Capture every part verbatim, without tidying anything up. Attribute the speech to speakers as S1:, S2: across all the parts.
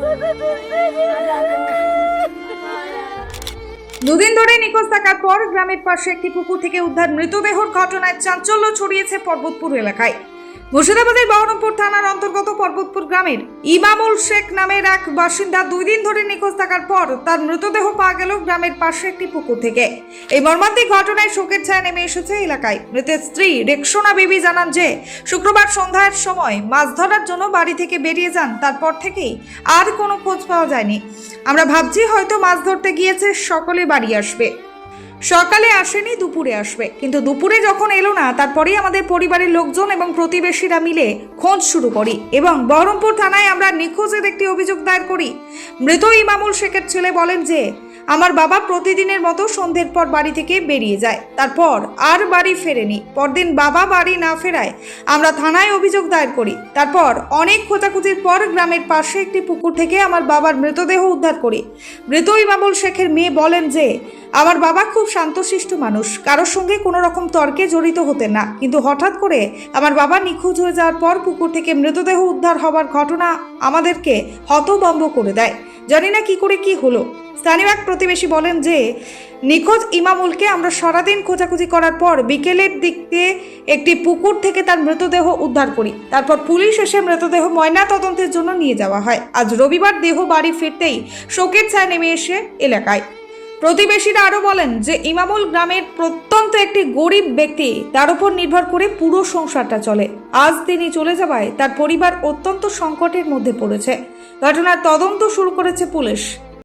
S1: দুদিন ধরে নিখোঁজ থাকার পর গ্রামের পাশে একটি পুকুর থেকে উদ্ধার মৃতদেহর ঘটনায় চাঞ্চল্য ছড়িয়েছে পর্বতপুর এলাকায়। মুর্শিদাবাদের বহরমপুর থানার অন্তর্গত পর্বতপুর গ্রামের ইমামুল শেখ নামের এক বাসিন্দা দুই দিন ধরে নিখোঁজ থাকার পর তার মৃতদেহ পাওয়া গেল গ্রামের পাশে একটি পুকুর থেকে। এই মর্মান্তিক ঘটনায় শোকের ছায়া নেমে এসেছে এলাকায়। মৃতের স্ত্রী রেক্সোনা বিবি জানান যে শুক্রবার সন্ধ্যার সময় মাছ ধরার জন্য বাড়ি থেকে বেরিয়ে যান, তারপর থেকেই আর কোনো খোঁজ পাওয়া যায়নি। আমরা ভাবছি হয়তো মাছ ধরতে গিয়েছে, সকলে বাড়ি আসবে। সকালে আসেনি, দুপুরে আসবে, কিন্তু দুপুরে যখন এলো না তারপরেই আমাদের পরিবারের লোকজন এবং প্রতিবেশীরা মিলে খোঁজ শুরু করি এবং বহরমপুর থানায় আমরা নিখোঁজের একটি অভিযোগ দায়ের করি। মৃত ইমামুল শেখের ছেলে বলেন যে আমার বাবা প্রতিদিনের মতো সন্ধ্যের পর বাড়ি থেকে বেরিয়ে যায়, তারপর আর বাড়ি ফেরেনি। পরদিন বাবা বাড়ি না ফেরায় আমরা থানায় অভিযোগ দায়ের করি। তারপর অনেক খোঁজাখুঁজির পর গ্রামের পাশে একটি পুকুর থেকে আমার বাবার মৃতদেহ উদ্ধার করি। মৃত ইমামুল শেখের মেয়ে বলেন যে আমার বাবা খুব শান্তশিষ্ট মানুষ, কারোর সঙ্গে কোনো রকম তর্কে জড়িত হতেন না, কিন্তু হঠাৎ করে আমার বাবা নিখোঁজ হয়ে যাওয়ার পর পুকুর থেকে মৃতদেহ উদ্ধার হওয়ার ঘটনা আমাদেরকে হতভম্ব করে দেয়। জানি না কি করে কি হলো। স্থানীয় এক প্রতিবেশী বলেন যে নিখোঁজ ইমামুলকে আমরা সারাদিন খোঁজাখুঁজি করার পর বিকেলের দিকে একটি পুকুর থেকে তার মৃতদেহ উদ্ধার করি। তারপর পুলিশ এসে মৃতদেহ ময়না তদন্তের জন্য নিয়ে যাওয়া হয়। আজ রবিবার দেহ বাড়ি ফিরতেই শোকের ছায়া নেমে এসে এলাকায়। প্রতিবেশীরা আরও বলেন যে ইমামুল গ্রামের প্রত্যন্ত একটি গরিব ব্যক্তি, তার উপর নির্ভর করে পুরো সংসারটা চলে। আজ তিনি চলে যাওয়ায় তার পরিবার অত্যন্ত সংকটের মধ্যে পড়েছে। ঘটনার তদন্ত শুরু করেছে পুলিশ।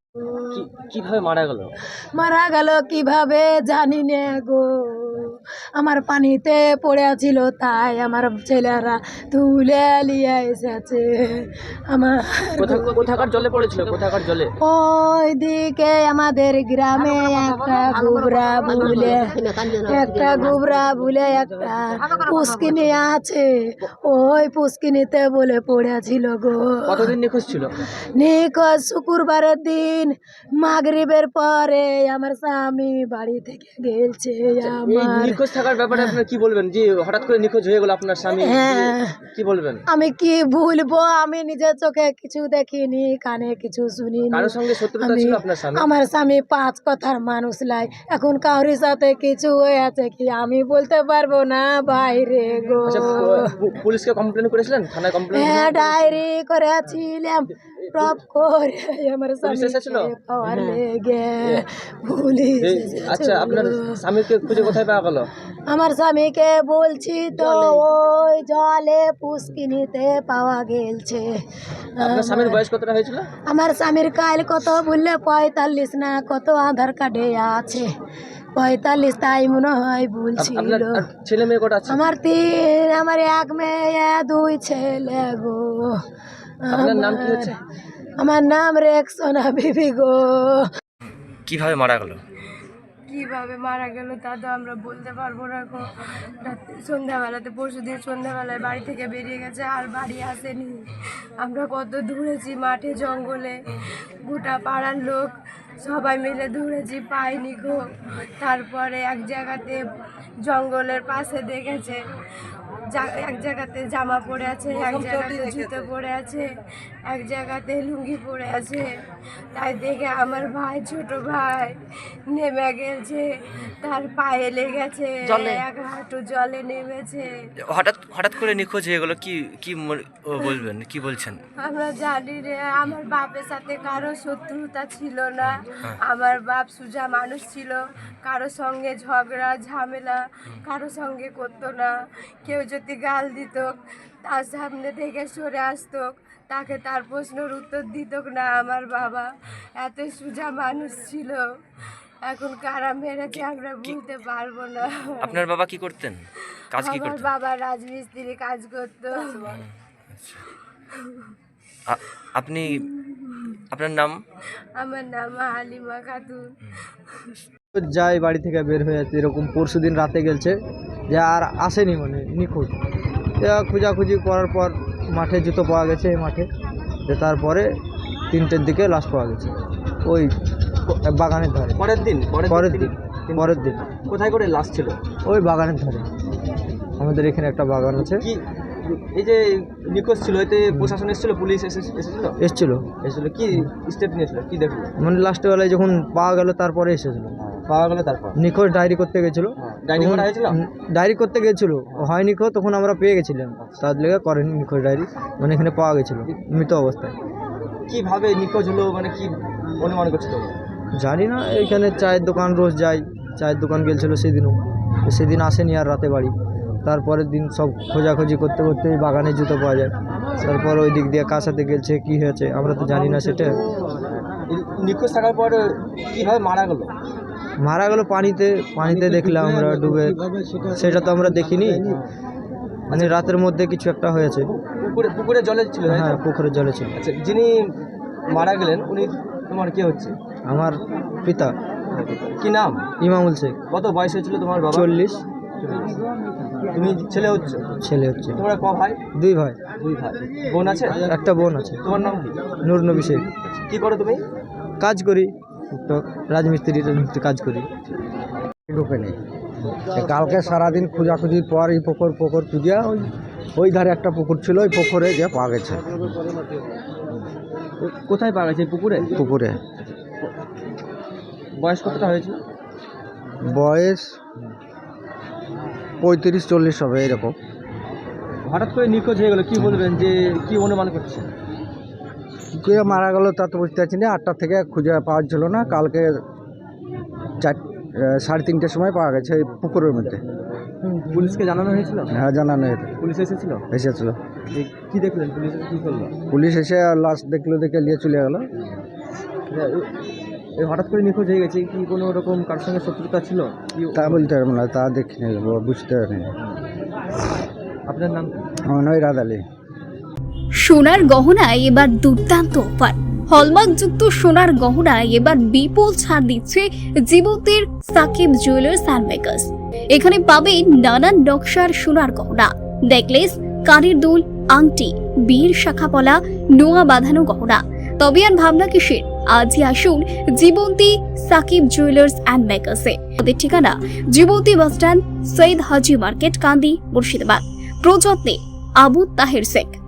S2: কিভাবে মারা গেল?
S3: মারা গেল কিভাবে জানি না গো, আমার পানিতে পড়ে ছিল, তাই আমার ছেলেরা তুলে নিয়ে এসেছে। আমার
S2: কোথাকার জলে পড়েছিল? কোথাকার জলে?
S3: ওই দিকে আমাদের গ্রামে একটা গুবরা বলে একটা গুবরা বলে একটা পুষ্কিনি আছে, ওই পুষ্কিনিতে বলে পড়েছিল গো।
S2: কতদিন নিখোঁজ ছিল?
S3: নিখোঁজ শুক্রবারের দিন মাগরিবের পরে আমার স্বামী বাড়ি থেকে গেছে। আমার
S2: নিখোঁজ থাকার ব্যাপারে আপনি কি বলবেন? যে হঠাৎ করে নিখোঁজ হয়ে গেল আপনার স্বামী, কি বলবেন?
S3: আমি কি ভুলবো, আমি নিজের চোখে কিছু দেখিনি, কানে কিছু শুনিনি।
S2: কারোর সঙ্গে শত্রুতা ছিল আপনার স্বামী?
S3: আমার স্বামী পাঁচ কথার মানুষ লাই, এখন কারোর সাথে কিছু হয়েছে কি আমি বলতে পারবো না বাইরে গো।
S2: পুলিশকে কমপ্লেন করেছিলেন? থানায় কমপ্লেন?
S3: হ্যাঁ, ডায়েরি করেছিলাম। প্রব করে আমার স্বামীকে পাওয়ার লেগে পুলিশ।
S2: আচ্ছা, আপনার স্বামীকে খুঁজে কোথায় পাওয়া গেল?
S3: আমার স্বামীকে বলছি তো ওই জলে পুষ্কিনিতে পাওয়া গেছে।
S2: আপনার স্বামীর বয়স কতটা হয়েছিল?
S3: আমার স্বামীর কাল কত বললে পঁয়তাল্লিশ না কত আধার কার্ডে আছে, পঁয়তাল্লিশ তাই মনে হয় বলছিল।
S2: ছেলে মেয়ে কটা আছে?
S3: আমার তিন, আমার এক মেয়ে দুই ছেলে গো।
S2: আপনার নাম কি হচ্ছে?
S3: আমার নাম রেক্সোনা বিবি গো।
S2: কিভাবে মারা গেল?
S4: কিভাবে মারা গেল তা তো আমরা বলতে পারবো না গো। সন্ধ্যাবেলাতে পরশু দিন সন্ধ্যাবেলায় বাড়ি থেকে বেরিয়ে গেছে, আর বাড়ি আসেনি। আমরা কত দৌড়েছি মাঠে জঙ্গলে, গোটা পাড়ার লোক সবাই মিলে দৌড়েছি, পাইনি গো। তারপরে এক জায়গাতে জঙ্গলের পাশে দেখেছে, এক জায়গাতে জামা পরে আছে, এক জায়গাতে জুতো পরে আছে, এক জায়গাতে লুঙ্গি পরে আছে। তাই দেখে আমার ভাই, ছোট ভাই নেমে গেছে, তার পায়ে লেগেছে, এক হাঁটু জলে নেমেছে।
S2: হঠাৎ হঠাৎ করে নিখোঁজ হয়ে গেল, কি কি বলবেন, কি বলছেন?
S4: আমরা জানি রে, আমার বাপের সাথে কারো শত্রুতা ছিল না। আমার বাপ সুজা মানুষ ছিল, কারো সঙ্গে ঝগড়া ঝামেলা কারো সঙ্গে করতো না। কেউ যদি গাল দিত তার সামনে থেকে সরে আসতো, তাকে তার প্রশ্নের উত্তর দিত না। আমার বাবা এত সুজা মানুষ ছিল, এখন কারা মেরেছে আমরা বলতে পারবো না।
S2: আপনার বাবা কি করতেন? কাজ কি করতেন?
S4: আমার বাবা রাজমিস্ত্রি কাজ করতো।
S2: আপনি, আপনার নাম?
S4: আমার নাম হালিমা খাতুন।
S5: যাই বাড়ি থেকে বের হয়ে যাচ্ছে, এরকম পরশু দিন রাতে গেছে যে আর আসেনি, মানে নিখোঁজ। খোঁজাখুঁজি করার পর মাঠে জুতো পাওয়া গেছে, এই মাঠে। তারপরে তিনটের দিকে লাশ পাওয়া গেছে ওই বাগানের ধারে।
S2: পরের দিন?
S5: পরের দিন পরের দিন
S2: কোথায় করে লাশ ছিল?
S5: ওই বাগানের ধারে, আমাদের এখানে একটা বাগান আছে,
S2: কি এই যে নিখোঁজ ছিল এতে প্রশাসন এসেছিল, পুলিশ এসে- এসেছিল
S5: এসছিল
S2: এসেছিল কি স্টেপ নিয়েছিল, কি দেখলো?
S5: মানে লাস্টের বেলায় যখন পাওয়া গেল তারপরে এসেছিল।
S2: পাওয়া গেল তারপর
S5: নিখোঁজ ডায়েরি করতে গেছিলো,
S2: ডায়েরি করা হয়েছিল?
S5: ডায়েরি করতে গেছিল, হয়নি খো তখন আমরা পেয়ে গেছিলাম, তার লেগে করেনি নিখোঁজ ডায়েরি, মানে এখানে পাওয়া গেছিলো মৃত অবস্থায়।
S2: কিভাবে নিখোঁজ হলো মানে কি অনুমান করছো তোমরা?
S5: জানি না, এখানে চায়ের দোকান রোজ যাই, চায়ের দোকান গেছিল সেদিনও, তো সেদিন আসেনি আর রাতে বাড়ি। তারপরের দিন সব খোঁজাখুঁজি করতে করতে এই বাগানে জুতো পাওয়া যায়, তারপর ওই দিক দিয়ে কার সাথে গেছে কী হয়েছে আমরা তো জানি না সেটা।
S2: এই নিখোঁজ থাকার পর কিভাবে মারা গেল?
S5: মারা গেল পানিতে, পানিতে দেখলাম আমরা ডুবে, সেটা তো আমরা দেখিনি, মানে রাতের মধ্যে কিছু একটা হয়েছে।
S2: পুকুরে পুকুরে জলে ছিল তাই তো?
S5: হ্যাঁ, পুকুরের জলে ছিল।
S2: আচ্ছা, যিনি মারা গেলেন উনি তোমার কে হচ্ছে?
S5: আমার পিতা
S2: কি নাম?
S5: ইমামুল শেখ।
S2: কত বয়স হয়েছিল তোমার বাবা?
S5: চল্লিশ।
S2: তুমি ছেলে হচ্ছে?
S5: ছেলে হচ্ছে।
S2: তোমরা ক ভাই?
S5: দুই ভাই।
S2: দুই ভাই। বোন আছে?
S5: একটা বোন আছে।
S2: তোমার নাম কি?
S5: নূর নবী শেখ।
S2: কি করো তুমি?
S5: কাজ করি, টুকটাক রাজমিস্ত্রি রাজমিস্ত্রি কাজ করি।
S6: ঢুকে নেই। কালকে সারাদিন খোঁজাখুঁজির পর এই পুকুর পুকুর খুঁজিয়া ওই ওই ধারে একটা পুকুর ছিল, ওই পুকুরে যে পাওয়া গেছে।
S2: কোথায় পাওয়া গেছে? পুকুরে?
S6: পুকুরে
S2: বয়স কতটা হয়েছিল?
S6: বয়স পঁয়ত্রিশ চল্লিশ হবে এরকম।
S2: হঠাৎ করে নিখোঁজ হয়ে গেল, কি বলবেন, যে কি অনুমান করছে?
S6: কী করে মারা গেল তা তো বুঝতে পারছি না। আটটা থেকে খুঁজে পাওয়া ছিল না, কালকে চার সাড়ে তিনটের সময় পাওয়া গেছে এই পুকুরের মধ্যে।
S2: পুলিশকে জানানো হয়েছিল?
S6: হ্যাঁ, জানানো হয়েছে,
S2: পুলিশ এসেছিল?
S6: এসেছিল।
S2: এই কি দেখলেন, পুলিশ এসে কি করলো?
S6: পুলিশ এসে লাশ দেখলো, দেখে নিয়ে চলে গেল।
S2: এই হঠাৎ করে নিখোঁজ হয়ে গেছে, কি কোনো রকম কার সঙ্গে শত্রুতা ছিল? কি
S6: তা বলতে পারবো না, তা দেখিনি, বুঝতে পারিনি।
S2: আপনার নাম কি?
S6: আমার নয় রাত আলী।
S7: সোনার গহনায় এবার দুর্দান্ত অফার। হলমার্কযুক্ত সোনার গহনায় এবার বিপুল ছাড় দিচ্ছে জীবন্তীর সাকিব জুয়েলার্স অ্যান্ড মেকার্স। এখানে পাবেন নানান নকশার সোনার গহনা, নেকলেস, কানের দুল, আংটি, বীর শাখাপলা, নোয়া বাঁধানো গহনা। তবে আর ভাবনা কিসের, আজই আসুন জীবন্তী সাকিব জুয়েলার্স অ্যান্ড মেকার্সে। ওদের ঠিকানা জীবন্তী বাসস্ট্যান্ড, সৈয়দ হাজি মার্কেট, কান্দি, মুর্শিদাবাদ। প্রযত্নে আবু তাহের শেখ।